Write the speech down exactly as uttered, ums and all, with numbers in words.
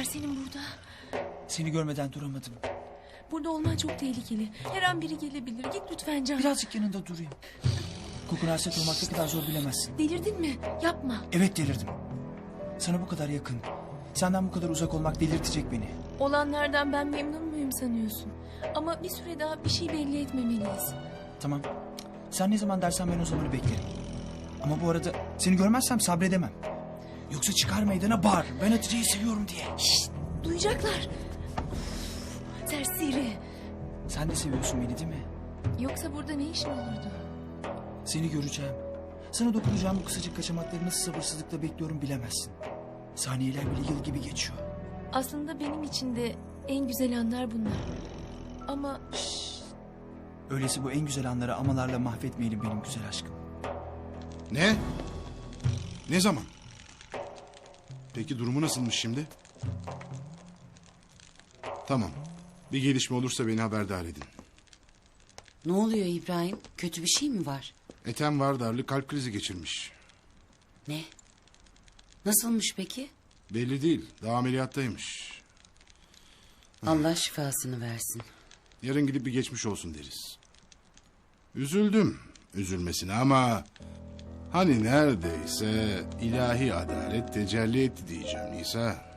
var senin burada? Seni görmeden duramadım. Burada olman çok tehlikeli. Her an biri gelebilir. Git lütfen Can. Birazcık yanında durayım. Kokuna hasret olmak ne kadar zor bilemezsin. Delirdin mi? Yapma. Evet delirdim. Sana bu kadar yakın, senden bu kadar uzak olmak delirtecek beni. Olanlardan ben memnun muyum sanıyorsun? Ama bir süre daha bir şey belli etmemeliyiz. Tamam. Sen ne zaman dersen ben o zamanı beklerim. Ama bu arada seni görmezsem sabredemem. Yoksa çıkar meydana bağır. Ben Hatice'yi seviyorum diye. Şşt, duyacaklar. Of, serseri. Sen de seviyorsun beni değil mi? Yoksa burada ne işin olurdu? Seni göreceğim. Sana dokunacağım bu kısacık kaçamakları nasıl sabırsızlıkla bekliyorum bilemezsin. Saniyeler bile yıl gibi geçiyor. Aslında benim için de en güzel anlar bunlar. Ama Öyleyse bu en güzel anları amalarla mahvetmeyelim benim güzel aşkım. Ne? Ne zaman? Peki durumu nasılmış şimdi? Tamam. Bir gelişme olursa beni haberdar edin. Ne oluyor İbrahim? Kötü bir şey mi var? Ethem Vardarlı kalp krizi geçirmiş. Ne? Nasılmış peki? Belli değil. Daha ameliyattaymış. Allah şifasını versin. Yarın gidip bir geçmiş olsun deriz. Üzüldüm üzülmesine ama... Hani neredeyse ilahi adalet tecelli etti diyeceğim Nisa.